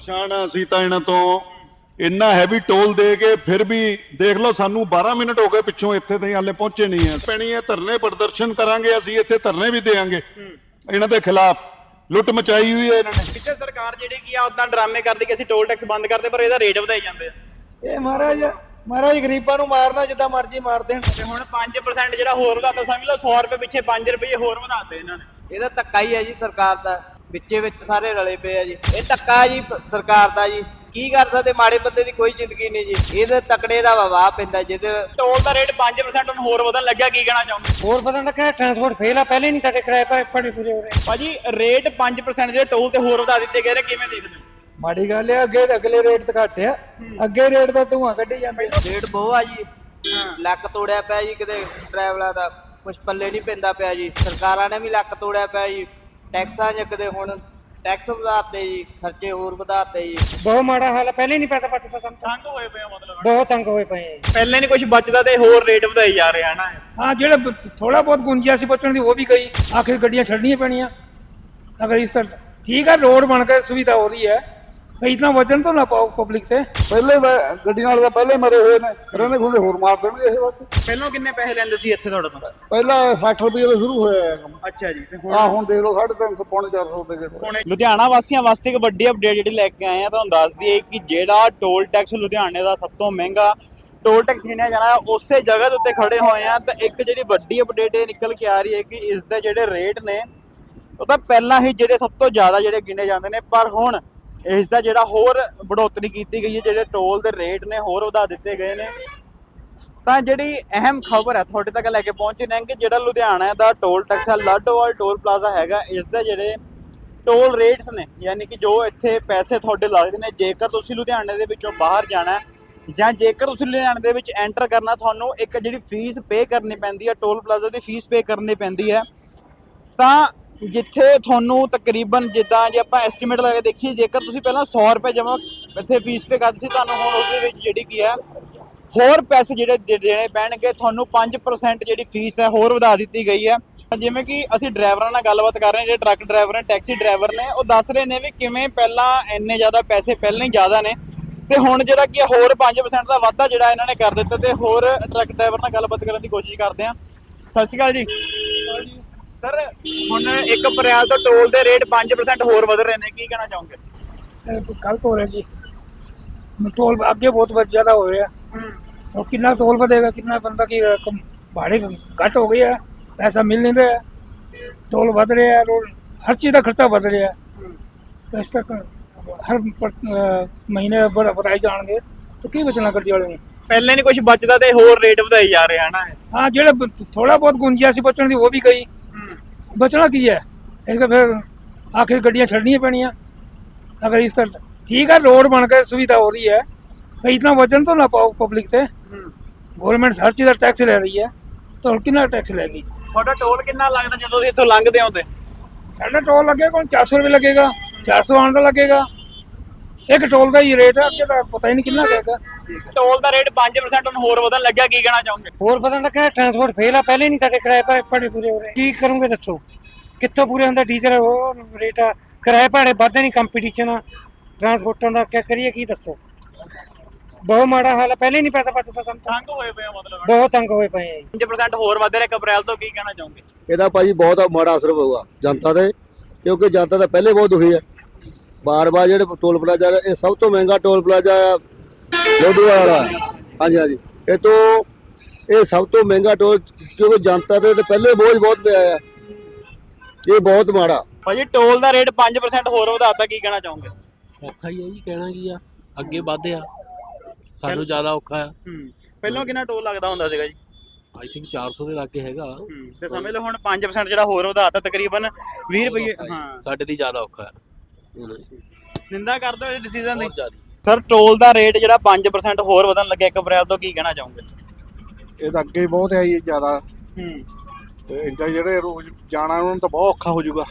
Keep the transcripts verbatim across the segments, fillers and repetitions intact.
ਪਰੇਸ਼ਾਨ ਆ ਅਸੀਂ ਤਾਂ ਇਹਨਾਂ ਤੋਂ ਇੰਨਾ ਹੈਵੀ ਟੋਲ ਦੇ ਕੇ ਫਿਰ ਵੀ ਦੇਖ ਲਓ ਸਾਨੂੰ ਬਾਰਾਂ ਮਿੰਟ ਹੋ ਗਏ ਪਿੱਛੋਂ ਇੱਥੇ ਤਾਈਂ ਹਾਲੇ ਪਹੁੰਚੇ ਨਹੀਂ ਆ ਪੈਣੀ ਹੈ ਧਰਨੇ ਪ੍ਰਦਰਸ਼ਨ ਕਰਾਂਗੇ ਅਸੀਂ ਇੱਥੇ ਧਰਨੇ ਵੀ ਦੇਾਂਗੇ ਇਹਨਾਂ ਦੇ ਖਿਲਾਫ ਲੁੱਟ ਮਚਾਈ ਹੋਈ ਹੈ ਇਹਨਾਂ ਨੇ ਪਿੱਛੇ ਸਰਕਾਰ ਜਿਹੜੀ ਕੀ ਆ ਉਦਾਂ ਡਰਾਮੇ ਕਰਦੀ ਕਿ ਅਸੀਂ ਟੋਲ ਟੈਕਸ ਬੰਦ ਕਰਦੇ ਪਰ ਇਹਦਾ ਰੇਟ ਵਧਾਈ ਜਾਂਦੇ ਆ ਇਹ ਮਹਾਰਾਜ ਮਹਾਰਾਜ ਗਰੀਬਾਂ ਨੂੰ ਮਾਰਨਾ ਜਿੱਦਾਂ ਮਰਜ਼ੀ ਮਾਰ ਦੇਣ ਤੇ ਹੁਣ ਪੰਜ percent ਜਿਹੜਾ ਹੋਰ ਵਧਾਤਾ ਸਮਝ ਲਓ ਸੌ ਰੁਪਏ ਪਿੱਛੇ ਪੰਜ ਰੁਪਏ ਹੋਰ ਵਧਾਤੇ ਇਹਨਾਂ ਨੇ ਇਹਦਾ ਧੱਕਾ ਹੀ ਹੈ ਜੀ ਸਰਕਾਰ ਦਾ ਵਿੱਚੇ ਵਿੱਚ ਸਾਰੇ ਰਲੇ ਪਏ ਆ ਜੀ ਇਹ ਧੱਕਾ ਹੈ ਜੀ ਪ- ਸਰਕਾਰ ਦਾ ਜੀ ਕੀ ਕਰ ਸਕਦੇ ਮਾੜੇ ਬੰਦੇ ਦੀ ਕੋਈ ਜ਼ਿੰਦਗੀ ਨਹੀਂ ਜੀ ਇਹਦੇ ਤਕੜੇ ਦਾ ਵਵਾ ਪੈਂਦਾ ਜਿਹਦੇ ਟੋਲ ਦਾ ਰੇਟ ਪੰਜ percent ਹੁਣ ਹੋਰ ਵਧਣ ਲੱਗਿਆ ਕੀ ਕਹਿਣਾ ਚਾਹੁੰਦੇ ਹੋਰ ਪਤਾ ਲੱਗਾ ਟਰਾਂਸਪੋਰਟ ਫੇਲ ਆ ਪਹਿਲੇ ਨਹੀਂ ਸਾਡੇ ਕਿਰਾਏ ਪਰ ਪੜੇ ਪੂਰੇ ਹੋ ਰਹੇ ਭਾਜੀ ਰੇਟ ਪੰਜ percent ਜਿਹੜੇ ਟੋਲ ਤੇ ਹੋਰ ਵਧਾ ਦਿੱਤੇ ਗਏ ਨੇ ਕਿਵੇਂ ਦੇਖਦੇ ਹੋ ਮਾੜੀ ਗੱਲ ਹੈ ਅੱਗੇ ਅਗਲੇ ਰੇਟ ਤੇ ਘੱਟ ਆ ਅੱਗੇ ਰੇਟ ਦਾ ਧੂਆਂ ਕੱਢੀ ਜਾਂਦੇ ਰੇਟ ਬਹੁਤ ਆ ਜੀ ਲੱਕ ਤੋੜਿਆ ਪਿਆ ਜੀ ਕਿਤੇ ਡਰਾਈਵਰਾਂ ਦਾ ਕੁਛ ਪੱਲੇ ਨਹੀਂ ਪੈਂਦਾ ਪਿਆ ਜੀ ਸਰਕਾਰਾਂ ਨੇ ਵੀ ਲੱਕ ਤੋੜਿਆ ਪਿਆ ਜੀ ਟੈਕਸਾਂ ਚ ਕਿਤੇ ਹੁਣ ਟੈਕਸ ਵਧਾਤੇ ਜੀ ਖਰਚੇ ਹੋਰ ਵਧਾਤੇ ਜੀ ਬਹੁਤ ਮਾੜਾ ਹਾਲ ਹੈ ਪਹਿਲੇ ਨਹੀਂ ਪੈਸਾ ਬਚਦਾ ਸਾਨੂੰ ਤਾਂ। ਤੰਗ ਹੋਏ ਪਏ ਆ ਮਤਲਬ ਬਹੁਤ ਤੰਗ ਹੋਏ ਪਏ ਆ ਜੀ। ਪਹਿਲੇ ਨਹੀਂ ਕੁਝ ਬਚਦਾ ਤੇ ਹੋਰ ਰੇਟ ਵਧਾਈ ਜਾ ਰਹੇ ਆ ਨਾ हाँ जेड़ा थोड़ा बहुत गुंजाइश सी बचने दी वो भी गई आखिर गड्डियां छड़नियां पैनियां अगर इस तरह ठीक है रोड बन के सुविधा हो रही है भाई इतना वजन तो ना पाओ पब्लिक से ਪਹਿਲੇ ਗੱਡੀਆਂ ਵਾਲੇ ਤਾਂ ਪਹਿਲੇ ਮਰੇ ਹੋਏ ਨੇ ਰਹਿੰਦੇ ਖੁੰਦੇ ਹੋਰ ਮਾਰ ਦੇਣਗੇ ਇਹ ਬਸ ਪਹਿਲਾਂ ਕਿੰਨੇ ਪੈਸੇ ਲੈਂਦੇ ਸੀ ਇੱਥੇ ਤੁਹਾਡੇ ਤੋਂ ਪਹਿਲਾਂ ਸੱਠ ਰੁਪਏ ਤੋਂ ਸ਼ੁਰੂ ਹੋਇਆ ਹੈ ਕੰਮ ਅੱਛਾ ਜੀ ਤੇ ਹੁਣ ਆ ਹੁਣ ਦੇਖ ਲਓ ਸਾਢੇ ਤਿੰਨ ਸੌ ਪੌਣੇ ਚਾਰ ਸੌ ਤੇ ਗਏ ਹੁਣ ਲੁਧਿਆਣਾ ਵਾਸੀਆਂ ਵਾਸਤੇ ਇੱਕ ਵੱਡੀ ਅਪਡੇਟ ਜਿਹੜੀ ਲੈ ਕੇ ਆਏ ਆ ਤੁਹਾਨੂੰ ਦੱਸ ਦਈਏ ਕਿ ਜਿਹੜਾ ਟੋਲ ਟੈਕਸ ਲੁਧਿਆਣੇ ਦਾ ਸਭ ਤੋਂ ਮਹਿੰਗਾ ਟੋਲ ਟੈਕਸ ਗਿਣਿਆ ਜਾਣਾ ਉਸੇ ਜਗ੍ਹਾ ਦੇ ਉੱਤੇ ਖੜੇ ਹੋਏ ਆ ਤਾਂ ਇੱਕ ਜਿਹੜੀ ਵੱਡੀ ਅਪਡੇਟ ਇਹ ਨਿਕਲ ਕੇ ਆ ਰਹੀ ਹੈ ਕਿ ਇਸ ਦੇ ਜਿਹੜੇ ਰੇਟ ਨੇ ਉਹ ਤਾਂ ਪਹਿਲਾਂ ਹੀ ਜਿਹੜੇ ਸਭ ਤੋਂ ਜ਼ਿਆਦਾ ਜਿਹੜੇ ਗਿਣੇ ਜਾਂਦੇ ਨੇ ਪਰ ਹੁਣ ਇਸ ਦਾ ਜਿਹੜਾ ਹੋਰ ਬੜੋਤਰੀ ਕੀਤੀ ਗਈ ਹੈ ਜਿਹੜੇ ਟੋਲ ਦੇ ਰੇਟ ਨੇ ਹੋਰ ਵਧਾ ਦਿੱਤੇ ਗਏ ਨੇ ਤਾਂ ਜਿਹੜੀ ਅਹਿਮ ਖਬਰ ਹੈ ਤੁਹਾਡੇ ਤੱਕ ਲੈ ਕੇ ਪਹੁੰਚੇ ਨੇ ਕਿ ਜਿਹੜਾ ਲੁਧਿਆਣਾ ਦਾ ਟੋਲ ਟੈਕਸ ਹੈ ਲਾਡੋਵਾਲ ਟੋਲ ਪਲਾਜ਼ਾ ਹੈਗਾ ਇਸ ਦੇ ਜਿਹੜੇ ਟੋਲ ਰੇਟਸ ਨੇ ਯਾਨੀ ਕਿ ਜੋ ਇੱਥੇ ਪੈਸੇ ਤੁਹਾਡੇ ਲੱਗਦੇ ਨੇ ਜੇਕਰ ਤੁਸੀਂ ਲੁਧਿਆਣੇ ਦੇ ਵਿੱਚੋਂ ਬਾਹਰ ਜਾਣਾ ਜਾਂ ਜੇਕਰ ਤੁਸੀਂ ਲੁਧਿਆਣੇ ਦੇ ਵਿੱਚ ਐਂਟਰ ਕਰਨਾ ਤੁਹਾਨੂੰ ਇੱਕ ਜਿਹੜੀ ਫੀਸ ਪੇ ਕਰਨੀ ਪੈਂਦੀ ਹੈ ਟੋਲ ਪਲਾਜ਼ਾ ਦੀ ਫੀਸ ਪੇ ਕਰਨੀ ਪੈਂਦੀ ਹੈ ਤਾਂ ਜਿੱਥੇ ਤੁਹਾਨੂੰ ਤਕਰੀਬਨ ਜਿੱਦਾਂ ਜੇ ਆਪਾਂ ਐਸਟੀਮੇਟ ਲਾ ਕੇ ਦੇਖੀਏ ਜੇਕਰ ਤੁਸੀਂ ਪਹਿਲਾਂ ਸੌ ਰੁਪਏ ਜਮ੍ਹਾਂ ਇੱਥੇ ਫੀਸ ਪੇ ਕਰਦੇ ਸੀ ਤੁਹਾਨੂੰ ਹੁਣ ਉਸ ਦੇ ਵਿੱਚ ਜਿਹੜੀ ਕੀ ਹੈ ਹੋਰ ਪੈਸੇ ਜਿਹੜੇ ਦੇ- ਦੇਣੇ ਪੈਣਗੇ ਤੁਹਾਨੂੰ ਪੰਜ percent ਜਿਹੜੀ ਫੀਸ ਹੈ ਹੋਰ ਵਧਾ ਦਿੱਤੀ ਗਈ ਹੈ ਜਿਵੇਂ ਕਿ ਅਸੀਂ ਡਰਾਈਵਰਾਂ ਨਾਲ ਗੱਲਬਾਤ ਕਰ ਰਹੇ ਹਾਂ ਜਿਹੜੇ ਟਰੱਕ ਡਰਾਈਵਰ ਨੇ ਟੈਕਸੀ ਡਰਾਈਵਰ ਨੇ ਉਹ ਦੱਸ ਰਹੇ ਨੇ ਵੀ ਕਿਵੇਂ ਪਹਿਲਾਂ ਇੰਨੇ ਜ਼ਿਆਦਾ ਪੈਸੇ ਪਹਿਲਾਂ ਹੀ ਜ਼ਿਆਦਾ ਨੇ ਤੇ ਹੁਣ ਜਿਹੜਾ ਕੀ ਹੋਰ ਪੰਜ percent ਦਾ ਵਾਧਾ ਜਿਹੜਾ ਇਹਨਾਂ ਨੇ ਕਰ ਦਿੱਤਾ ਤੇ ਹੋਰ ਟਰੱਕ ਡਰਾਈਵਰ ਨਾਲ ਗੱਲਬਾਤ ਕਰਨ ਦੀ ਕੋਸ਼ਿਸ਼ ਕਰਦੇ ਹਾਂ ਸਤਿ ਸ਼੍ਰੀ ਅਕਾਲ ਜੀ ਸਰ ਹੁਣ ਇੱਕ ਅਪ੍ਰੈਲ ਤੋਂ ਟੋਲ ਦੇ ਰੇਟ ਪੰਜ percent ਹੋਰ ਵਧ ਰਹੇ ਨੇ ਕੀ ਕਹਿਣਾ ਚਾਹੋਗੇ गलत हो रहा है जी टोल अगे बहुत बच ज्यादा हो रहा है और कितना टोल बढ़ेगा कितना बंदा की कम भाड़े घट हो गई है पैसा मिल नहीं रहा है टोल बढ़ रहे हैं रोड हर चीज़ का खर्चा बढ़ रहा है तो इस तक हर पर- अ, महीने बड़ा बढ़ाई जाएंगे तो की बचना गड्डी वाले ने ਪਹਿਲੇ ਨਹੀਂ ਕੁਝ ਬਚਦਾ ਤੇ ਹੋਰ ਰੇਟ ਵਧਾਈ ਜਾ ਰਹੇ ਹਨ हाँ जेड़ा थोड़ा बहुत गुंजाइश सी बचने दी वो भी गई बचना की है इसका फिर आखिर गड्डियां छड़नियां पैनियां अगर इस तरह ठीक है रोड बन के सुविधा हो रही है भाई इतना वजन तो ना पाओ पब्लिक से गवर्नमेंट हर चीज़ का टैक्स ले रही है तो कितना टैक्स लेगी ਤੁਹਾਡਾ ਟੋਲ ਕਿੰਨਾ ਲੱਗਦਾ ਜਦੋਂ ਤੁਸੀਂ ਇੱਥੋਂ ਲੰਘਦੇ ਹੋ ਤੇ साढ़ा टोल लगेगा कौन चार सौ रुपये लगेगा चार सौ आने का लगेगा एक टोल का ही रेट है अगे तो पता ही नहीं कितना लगेगा ਟੋਲ ਦਾ ਰੇਟ ਪੰਜ percent ਹੁਣ ਹੋਰ ਵਧਣ ਲੱਗਿਆ ਕੀ ਕਹਿਣਾ ਚਾਹੋਗੇ ਹੋਰ ਪਤਾ ਲੱਗਾ ਟਰਾਂਸਪੋਰਟ ਫੇਲ ਆ ਪਹਿਲੇ ਨਹੀਂ ਸਾਡੇ ਕਿਰਾਏ ਪਰ ਪੜੇ ਪੂਰੇ ਹੋ ਰਹੇ ਕੀ ਕਰੋਗੇ ਦੱਸੋ ਕਿੱਥੋਂ ਪੂਰੇ ਹੁੰਦਾ ਡੀਜ਼ਲ ਉਹ ਰੇਟ ਆ ਕਿਰਾਏ ਭਾੜੇ ਵੱਧਦੇ ਨਹੀਂ ਕੰਪੀਟੀਸ਼ਨ ਆ ਟਰਾਂਸਪੋਰਟਾਂ ਦਾ ਕੀ ਕਰੀਏ ਕੀ ਦੱਸੋ ਬਹੁਤ ਮਾੜਾ ਹਾਲ ਹੈ ਪਹਿਲੇ ਨਹੀਂ ਪੈਸਾ ਬਚਦਾ ਸਾਨੂੰ ਤਾਂ। ਤੰਗ ਹੋਏ ਪਏ ਆ ਮਤਲਬ ਬਹੁਤ ਤੰਗ ਹੋਏ ਪਏ ਆ ਜੀ ਪੰਜ percent ਹੋਰ ਵਧ ਰਿਹਾ ਇੱਕ ਅਪ੍ਰੈਲ ਤੋਂ ਕੀ ਕਹਿਣਾ ਚਾਹੋਗੇ ਇਹਦਾ ਭਾਜੀ ਬਹੁਤ ਮਾੜਾ ਅਸਰ ਪਊਗਾ ਜਨਤਾ ਤੇ ਕਿਉਂਕਿ ਜਨਤਾ ਤਾਂ ਪਹਿਲੇ ਬਹੁਤ ਦੁਖੀ ਹੈ ਬਾਰ-ਬਾਰ ਜਿਹੜੇ ਟੋਲ ਪਲਾਜ਼ਾ ਇਹ ਸਭ ਤੋਂ ਮਹਿੰਗਾ ਟੋਲ ਪਲਾਜ਼ਾ ਆ ਲੋਧੀਵਾਲ ਵਾਲਾ ਹਾਂਜੀ ਹਾਂਜੀ ਇਹ ਤੋਂ ਇਹ ਸਭ ਤੋਂ ਮਹਿੰਗਾ ਟੋਲ ਕਿਉਂਕਿ ਜਨਤਾ ਤੇ ਤਾਂ ਪਹਿਲੇ ਬੋਝ ਬਹੁਤ ਪਿਆ ਆ ਇਹ ਬਹੁਤ ਮਾੜਾ ਭਾਜੀ ਟੋਲ ਦਾ ਰੇਟ ਪੰਜ percent ਹੋਰ ਵਧਾਤਾ ਕੀ ਕਹਿਣਾ ਚਾਹੋਗੇ ਔਖਾ ਹੀ ਹੈ ਜੀ ਕਹਿਣਾ ਕੀ ਆ ਅੱਗੇ ਵਧਿਆ ਸਾਨੂੰ ਜ਼ਿਆਦਾ ਔਖਾ ਆ ਹੂੰ ਪਹਿਲਾਂ ਕਿੰਨਾ ਟੋਲ ਲੱਗਦਾ ਹੁੰਦਾ ਸੀਗਾ ਜੀ ਆਈ ਥਿੰਕ ਚਾਰ ਸੌ ਦੇ ਲਾਗੇ ਹੈਗਾ ਹੂੰ ਤੇ ਸਮਝ ਲਓ ਹੁਣ ਪੰਜ percent ਜਿਹੜਾ ਹੋਰ ਵਧਾਤਾ ਤਕਰੀਬਨ ਵੀਹ ਰੁਪਏ ਹਾਂ ਸਾਡੇ ਦੀ ਜ਼ਿਆਦਾ ਔਖਾ ਆ ਨਿੰਦਾ ਕਰਦੇ ਹੋ ਇਸ ਡਿਸੀਜਨ ਦੀ ਬਹੁਤ ਜ਼ਿਆਦਾ ਸਰ ਟੋਲ ਦਾ ਰੇਟ ਜਿਹੜਾ ਪੰਜ percent ਹੋਰ ਵਧਣ ਲੱਗਿਆ ਇੱਕ ਅਪ੍ਰੈਲ ਤੋਂ ਕੀ ਕਹਿਣਾ ਚਾਹੋਗੇ ਇਹ ਤਾਂ ਅੱਗੇ ਬਹੁਤ ਹੈ ਜੀ ਜ਼ਿਆਦਾ ਹੂੰ ਤੇ ਇੰਦਾ ਜਿਹੜੇ ਰੋਜ਼ ਜਾਣਾ ਉਹਨਾਂ ਨੂੰ ਤਾਂ ਬਹੁਤ ਔਖਾ ਹੋ ਜਾਊਗਾ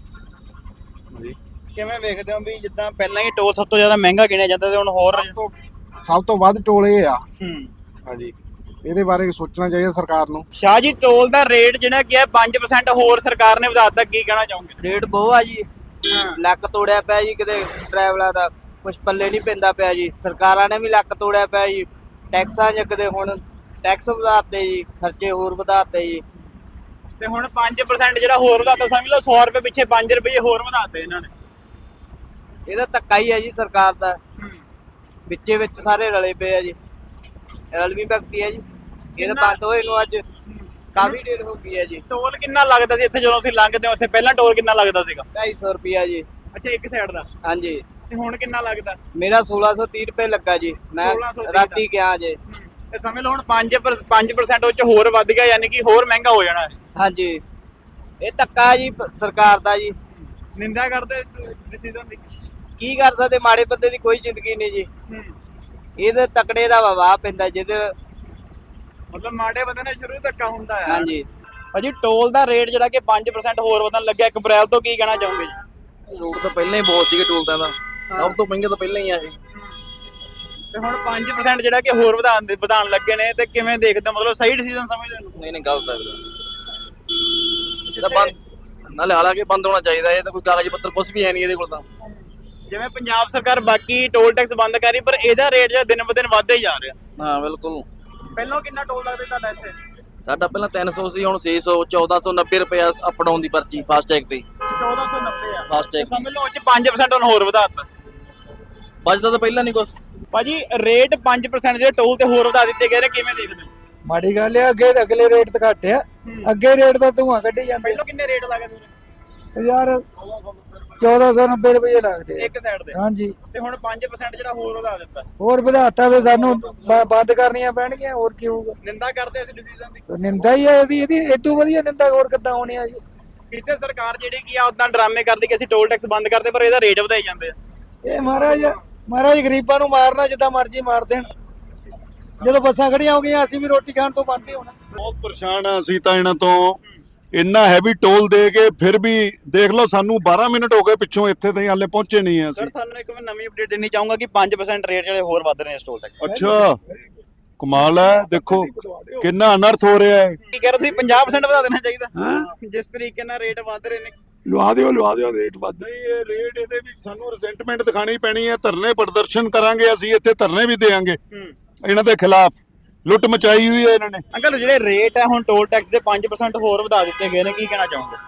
ਕਿਵੇਂ ਵੇਖਦੇ ਹੋ ਵੀ ਜਿੱਦਾਂ ਪਹਿਲਾਂ ਹੀ ਟੋਲ ਸਭ ਤੋਂ ਜ਼ਿਆਦਾ ਮਹਿੰਗਾ ਗਿਣਿਆ ਜਾਂਦਾ ਤੇ ਹੁਣ ਹੋਰ ਸਭ ਤੋਂ ਵੱਧ ਟੋਲ ਇਹ ਆ ਹੂੰ ਹਾਂਜੀ ਇਹਦੇ ਬਾਰੇ ਸੋਚਣਾ ਚਾਹੀਦਾ ਸਰਕਾਰ ਨੂੰ ਸ਼ਾਹ ਜੀ ਟੋਲ ਦਾ ਰੇਟ ਜਿਹੜਾ ਕੀ ਹੈ ਪੰਜ percent ਹੋਰ ਸਰਕਾਰ ਨੇ ਵਧਾ ਦਿੱਤਾ ਕੀ ਕਹਿਣਾ ਚਾਹੋਗੇ ਰੇਟ ਬਹੁਤ ਆ ਜੀ ਲੱਕ ਤੋੜਿਆ ਪਿਆ ਜੀ ਕਿਤੇ ਡਰਾਈਵਰਾਂ ਦਾ ਕੁਛ ਪੱਲੇ ਨਹੀਂ ਪੈਂਦਾ ਪਿਆ ਜੀ। ਸਰਕਾਰਾਂ ਨੇ ਵੀ ਲੱਕ ਤੋੜਿਆ ਪਿਆ ਜੀ। ਟੈਕਸਾਂ ਜਗਦੇ ਹੁਣ ਟੈਕਸ ਵਧਾਤੇ ਜੀ, ਖਰਚੇ ਹੋਰ ਵਧਾਤੇ ਜੀ। ਤੇ ਹੁਣ ਪੰਜ ਪਰਸੈਂਟ ਜਿਹੜਾ ਹੋਰ ਵਧਾਤਾ, ਸਮਝ ਲਓ ਸੌ ਰੁਪਏ ਪਿੱਛੇ ਪੰਜ ਰੁਪਏ ਹੋਰ ਵਧਾਤੇ ਇਹਨਾਂ ਨੇ। ਇਹਦਾ ਧੱਕਾ ਹੀ ਹੈ ਜੀ ਸਰਕਾਰ ਦਾ, ਵਿੱਚੇ ਵਿੱਚ ਸਾਰੇ ਰਲੇ ਪਏ ਆ ਜੀ, ਰਲਵੀਂ ਭਗਤੀ ਹੈ ਜੀ। ਇਹ ਤਾਂ ਬੰਦ ਹੋਏ ਨੂੰ ਅੱਜ ਕਾਫੀ ਦੇਰ ਹੋ ਗਈ ਹੈ ਜੀ। ਟੋਲ ਕਿੰਨਾ ਲੱਗਦਾ ਸੀ ਇੱਥੇ ਜਦੋਂ ਅਸੀਂ ਲੰਘਦੇ ਹਾਂ ਉੱਥੇ? ਪਹਿਲਾਂ ਟੋਲ ਕਿੰਨਾ ਲੱਗਦਾ ਸੀਗਾ? ਢਾਈ ਸੌ ਰੁਪਿਆ ਜੀ। ਅੱਛਾ, ਇੱਕ ਸਾਈਡ ਦਾ। ਹਾਂਜੀ, ਤੇ ਹੁਣ ਕਿੰਨਾ ਲੱਗਦਾ? ਮੇਰਾ ਸੋਲਾਂ ਸੌ ਤੀਹ ਰੁਪਏ ਲੱਗਾ ਜੀ। ਮੈਂ ਸੋਲਾਂ ਸੌ ਤੀਹ ਰਾਤੀ ਗਿਆ ਜੇ। ਤੇ ਸਮਝ ਲਓ ਹੁਣ ਪੰਜ ਪੰਜ ਪਰਸੈਂਟ ਉਹ ਚ ਹੋਰ ਵੱਧ ਗਿਆ, ਯਾਨੀ ਕਿ ਹੋਰ ਮਹਿੰਗਾ ਹੋ ਜਾਣਾ ਹੈ। ਹਾਂਜੀ, ਇਹ ਧੱਕਾ ਹੈ ਜੀ ਪ- ਸਰਕਾਰ ਦਾ ਜੀ। ਨਿੰਦਾ ਕਰਦੇ ਇਸ ਡਿਸੀਜਨ ਦੀ? ਕੀ ਕਰ ਸਕਦੇ, ਮਾੜੇ ਬੰਦੇ ਦੀ ਕੋਈ ਜ਼ਿੰਦਗੀ ਨਹੀਂ ਜੀ। ਇਹਦੇ ਤਕੜੇ ਦਾ ਵਵਾ ਪੈਂਦਾ ਜਿਹਦੇ। ਮਤਲਬ ਮਾੜੇ ਬੰਦੇ ਨਾਲ ਸ਼ੁਰੂ ਧੱਕਾ ਹੁੰਦਾ ਹੈ। ਹਾਂਜੀ, ਭਾਜੀ ਟੋਲ ਦਾ ਰੇਟ ਜਿਹੜਾ ਕਿ ਪੰਜ ਪਰਸੈਂਟ ਹੋਰ ਵਧਣ ਲੱਗਿਆ ਇੱਕ ਅਪ੍ਰੈਲ ਤੋਂ, ਕੀ ਕਹਿਣਾ ਚਾਹੋਗੇ ਜੀ? ਰੋਡ ਤਾਂ ਪਹਿਲਾਂ ਹੀ ਬਹੁਤ ਸੀਗੇ ਟੋਲ ਦਾ, ਸਭ ਤੋਂ ਮਹਿੰਗੇ ਤਾਂ ਪਹਿਲਾਂ ਹੀ ਆ ਇਹ। ਤੇ ਹੁਣ ਪੰਜ ਪਰਸੈਂਟ ਜਿਹੜਾ ਕਿ ਹੋਰ ਵਧਾਉਣ ਦੇ ਵਧਾਉਣ ਲੱਗੇ ਨੇ, ਤੇ ਕਿਵੇਂ ਦੇਖਦੇ ਹੋ? ਮਤਲਬ ਸਹੀ ਡਿਸੀਜਨ ਸਮਝਦੇ ਹੋ? ਨਹੀਂ ਨਹੀਂ ਗਲਤ ਹੈ ਇਹ ਤਾਂ ਬੰਦ ਨਾਲੇ ਹਾਲਾਂਕਿ ਬੰਦ ਹੋਣਾ ਚਾਹੀਦਾ। ਇਹ ਤਾਂ ਕੋਈ ਕਾਗਜ਼ ਪੱਤਰ ਕੁਝ ਵੀ ਹੈ ਨਹੀਂ ਇਹਦੇ ਕੋਲ ਤਾਂ। ਜਿਵੇਂ ਪੰਜਾਬ ਸਰਕਾਰ ਬਾਕੀ ਟੋਲ ਟੈਕਸ ਬੰਦ ਕਰ ਰਹੀ, ਪਰ ਇਹਦਾ ਰੇਟ ਜਿਹੜਾ ਦਿਨ ਬ ਦਿਨ ਵੱਧਦਾ ਹੀ ਜਾ ਰਿਹਾ। ਹਾਂ ਬਿਲਕੁਲ। ਪਹਿਲਾਂ ਕਿੰਨਾ ਟੋਲ ਲੱਗਦਾ ਤੁਹਾਡਾ ਇੱਥੇ? ਸਾਡਾ ਪਹਿਲਾਂ ਤਿੰਨ ਸੌ ਸੀ, ਹੁਣ ਛੇ ਸੌ, ਚੌਦਾਂ ਸੌ ਨੱਬੇ ਰੁਪਏ ਅਪ ਡਾਊਨ ਦੀ ਪਰਚੀ ਫਾਸਟੈਗ ਤੇ। ਚੌਦਾਂ ਸੌ ਨੱਬੇ ਆ ਫਾਸਟੈਗ ਸਮਝ ਲਓ ਉਹ ਚ ਪੰਜ ਪਰਸੈਂਟ ਹੁਣ ਹੋਰ ਵਧਾਤਾ। ਬਚਦਾ ਤਾਂ ਪਹਿਲਾਂ ਨਹੀਂ ਕੁਛ। ਭਾਜੀ ਰੇਟ ਪੰਜ ਪਰਸੈਂਟ ਜਿਹੜੇ ਟੋਲ ਤੇ ਹੋਰ ਵਧਾ ਦਿੱਤੇ ਗਏ ਨੇ, ਕਿਵੇਂ ਦੇਖਦੇ ਹੋ? ਮਾੜੀ ਗੱਲ ਹੈ, ਅੱਗੇ ਅਗਲੇ ਰੇਟ ਤੇ ਘੱਟ ਆ, ਅੱਗੇ ਰੇਟ ਤਾਂ ਧੂਆਂ ਕੱਢੀ ਜਾਂਦੇ ਪਹਿਲਾਂ ਕਿੰਨੇ ਰੇਟ ਲੱਗਦੇ ਨੇ? ਯਾਰ ਚੌਦਾਂ ਸੌ ਨੱਬੇ ਰੁਪਏ ਲੱਗਦੇ ਆ। ਇੱਕ ਸਾਈਡ ਤੇ। ਹਾਂਜੀ, ਤੇ ਹੁਣ ਪੰਜ ਪਰਸੈਂਟ ਜਿਹੜਾ ਹੋਰ ਵਧਾ ਦਿੱਤਾ। ਹੋਰ ਵਧਾਤਾ ਵੇ ਸਾਨੂੰ ਬ- ਬੰਦ ਕਰਨੀਆਂ ਪੈਣਗੀਆਂ, ਹੋਰ ਕੀ ਹੋਊਗਾ? ਨਿੰਦਾ ਕਰਦੇ ਇਸ ਡਿਸੀਜਨ ਦੀ? ਤੇ ਨਿੰਦਾ ਹੀ ਹੈ ਇਹਦੀ, ਇਹਦੀ ਏਡੂ ਵਧੀਆ ਨਿੰਦਾ ਹੋਰ ਕਿੱਦਾਂ ਹੋਣੀ ਆ ਜੀ? ਕਿਤੇ ਸਰਕਾਰ ਜਿਹੜੀ ਕੀ ਆ ਉਦਾਂ ਡਰਾਮੇ ਕਰਦੀ ਕਿ ਅਸੀਂ ਟੋਲ ਟੈਕਸ ਬੰਦ ਕਰਦੇ, ਪਰ ਇਹਦਾ ਰੇਟ ਵਧਾਈ ਜਾਂਦੇ ਆ। ਇਹ ਮਹਾਰਾਜ ਮਹਾਰਾਜ ਗਰੀਬਾਂ ਨੂੰ ਮਾਰਨਾ ਜਿੱਦਾਂ ਮਰਜ਼ੀ ਮਾਰ ਦੇਣ। ਜਦੋਂ ਬੱਸਾਂ ਖੜੀਆਂ ਹੋ ਗਈਆਂ ਅਸੀਂ ਵੀ ਰੋਟੀ ਖਾਣ ਤੋਂ ਬੰਦ ਹੀ ਹੋਣਾ। ਬਹੁਤ ਪਰੇਸ਼ਾਨ ਆ ਅਸੀਂ ਤਾਂ ਇਹਨਾਂ ਤੋਂ। ਇੰਨਾ ਹੈਵੀ ਟੋਲ ਦੇ ਕੇ ਫਿਰ ਵੀ ਦੇਖ ਲਓ ਸਾਨੂੰ ਬਾਰਾਂ ਮਿੰਟ ਹੋ ਗਏ ਪਿੱਛੋਂ, ਇੱਥੇ ਤਾਈਂ ਹਾਲੇ ਪਹੁੰਚੇ ਨਹੀਂ ਆ ਸਰ ਅਸੀਂ। ਤੁਹਾਨੂੰ ਇੱਕ ਮੈਂ ਨਵੀਂ ਅਪਡੇਟ ਦੇਣੀ ਚਾਹੂੰਗਾ ਕਿ ਪੰਜ ਪਰਸੈਂਟ ਰੇਟ ਜਿਹੜੇ ਹੋਰ ਵੱਧ ਰਹੇ ਨੇ ਇਸ ਟੋਲ ਟੈਕਸ। ਅੱਛਾ, ਕਮਾਲ ਹੈ। ਦੇਖੋ ਕਿੰਨਾ ਅਨਰਥ ਹੋ ਰਿਹਾ ਹੈ। ਕੀ ਕਹਿ ਰਹੇ ਤੁਸੀਂ ਪੰਜਾਹ ਪਰਸੈਂਟ ਵਧਾ ਦੇਣਾ ਚਾਹੀਦਾ ਜਿਸ ਤਰੀਕੇ ਨਾਲ ਰੇਟ ਵੱਧ ਰਹੇ ਨੇ? ਲਵਾ ਦਿਓ ਲਵਾ ਦਿਓ ਰੇਟ ਵੱਧ। ਨਹੀਂ ਇਹ ਰੇਟ ਇਹਦੇ ਵੀ ਸਾਨੂੰ ਰਿਜ਼ੈਂਟਮੈਂਟ ਦਿਖਾਣੀ ਪੈਣੀ ਹੈ। ਧਰਨੇ ਪ੍ਰਦਰਸ਼ਨ ਕਰਾਂਗੇ ਅਸੀਂ, ਇੱਥੇ ਧਰਨੇ ਵੀ ਦੇਾਂਗੇ ਇਹਨਾਂ ਦੇ ਖਿਲਾਫ। ਲੁੱਟ ਮਚਾਈ ਹੋਈ ਹੈ ਇਹਨਾਂ ਨੇ। ਅੰਕਲ ਜਿਹੜੇ ਰੇਟ ਹੈ ਹੁਣ ਟੋਲ ਟੈਕਸ ਦੇ ਪੰਜ ਪਰਸੈਂਟ ਹੋਰ ਵਧਾ ਦਿੱਤੇ ਗਏ ਨੇ, ਕੀ ਕਹਿਣਾ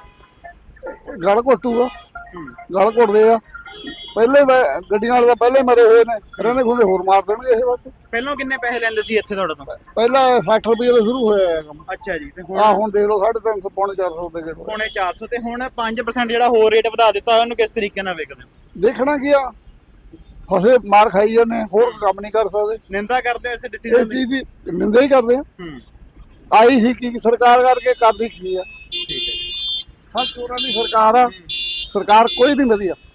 ਚਾਹੋਗੇ? ਗਲ ਘੋਟੂਗਾ, ਗਲ ਘੋਟਦੇ ਆ। ਪਹਿਲੇ ਮੈਂ- ਗੱਡੀਆਂ ਵਾਲੇ ਤਾਂ ਪਹਿਲੇ ਮਰੇ ਹੋਏ ਨੇ, ਰਹਿੰਦੇ ਖੁੰਦੇ ਹੋਰ ਮਾਰ ਦੇਣਗੇ ਇਹ ਬਸ। ਪਹਿਲਾਂ ਕਿੰਨੇ ਪੈਸੇ ਲੈਂਦੇ ਸੀ ਇੱਥੇ ਤੁਹਾਡੇ ਤੋਂ? ਪਹਿਲਾਂ ਸੱਠ ਰੁਪਏ ਤੋਂ ਸ਼ੁਰੂ ਹੋਇਆ ਇਹ ਕੰਮ। ਅੱਛਾ ਜੀ। ਤੇ ਆ ਹੁਣ ਹੁਣ ਦੇਖ ਲਓ ਸਾਢੇ ਤਿੰਨ ਸੌ ਪੌਣੇ ਚਾਰ ਸੌ ਦੇ ਗੇੜ। ਪੌਣੇ ਚਾਰ ਸੌ ਤੇ ਹੁਣ ਪੰਜ ਪਰਸੈਂਟ ਜਿਹੜਾ ਹੋਰ ਰੇਟ ਵਧਾ ਦਿੱਤਾ, ਉਹਨੂੰ ਕਿਸ ਤਰੀਕੇ ਨਾਲ ਵੇਖਦੇ ਹੋ? ਦੇਖਣਾ ਕੀ ਆ, ਫਸੇ ਮਾਰ ਖਾਈ ਜਾਂਦੇ, ਹੋਰ ਕੰਮ ਨਹੀਂ ਕਰ ਸਕਦੇ। ਨਿੰਦਾ ਕਰਦੇ ਹੋ ਇਸ ਇਸ ਡਿਸੀਜਨ ਦੀ? ਚੀਜ਼ ਦੀ ਨਿੰਦਾ ਹੀ ਕਰਦੇ ਆ। ਹੂੰ, ਆਈ ਸੀ ਕੀ ਸਰਕਾਰ ਕਰਕੇ ਕਰਦੀ ਕੀ ਆ? ਠੀਕ ਹੈ। ਸਭ ਚੋਰਾਂ ਦੀ ਸਰਕਾਰ ਆ, ਸਰਕਾਰ ਕੋਈ ਨਹੀਂ ਵਧੀਆ।